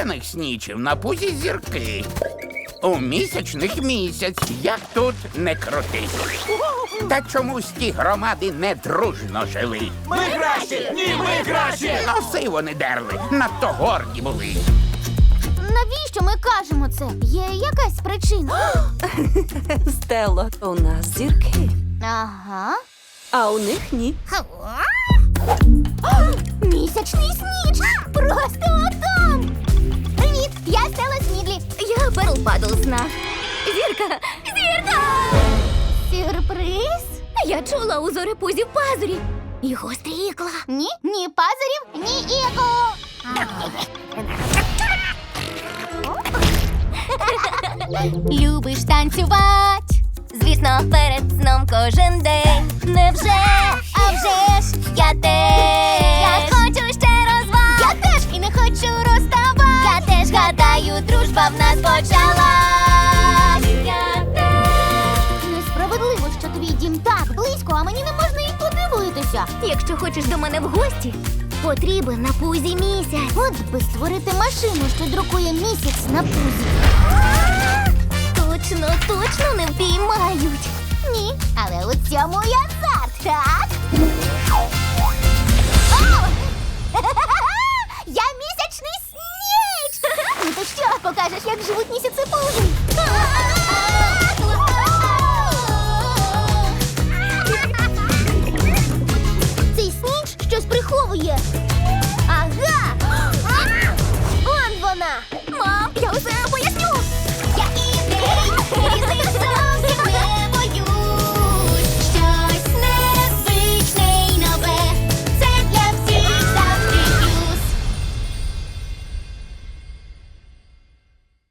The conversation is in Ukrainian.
зоряних снічів на пузі зірки. У місячних місяць, як тут не крутись. Та чомусь ті громади не дружно жили. Ми кращі! Ні, ми кращі! Носи вони дерли, надто горді були. Навіщо ми кажемо це? Є якась причина? Стело, у нас зірки, Ага. а у них ні. Місячний сніч! Просто там! Привіт, я Стелла Смідлі. Я Перл Падлсна. Зірка! Зірка! Сюрприз? Я чула у зорепузі пазурі. І гострі ікла. Ні, ні пазурів, ні ікол. Любиш танцювать? Звісно, перед сном кожен день. Невже? А вже ж, я теж. Я хочу ще розваг. Я теж і не хочу розставати. Я теж гадаю, дружба в нас почалась. Я теж. Несправедливо, що твій дім так близько, а мені не можна й подивитися. Якщо хочеш до мене в гості, потрібен на пузі місяць. От би створити машину, що друкує місяць на пузі. Точно, точно не впіймають. Ні, але у цьому я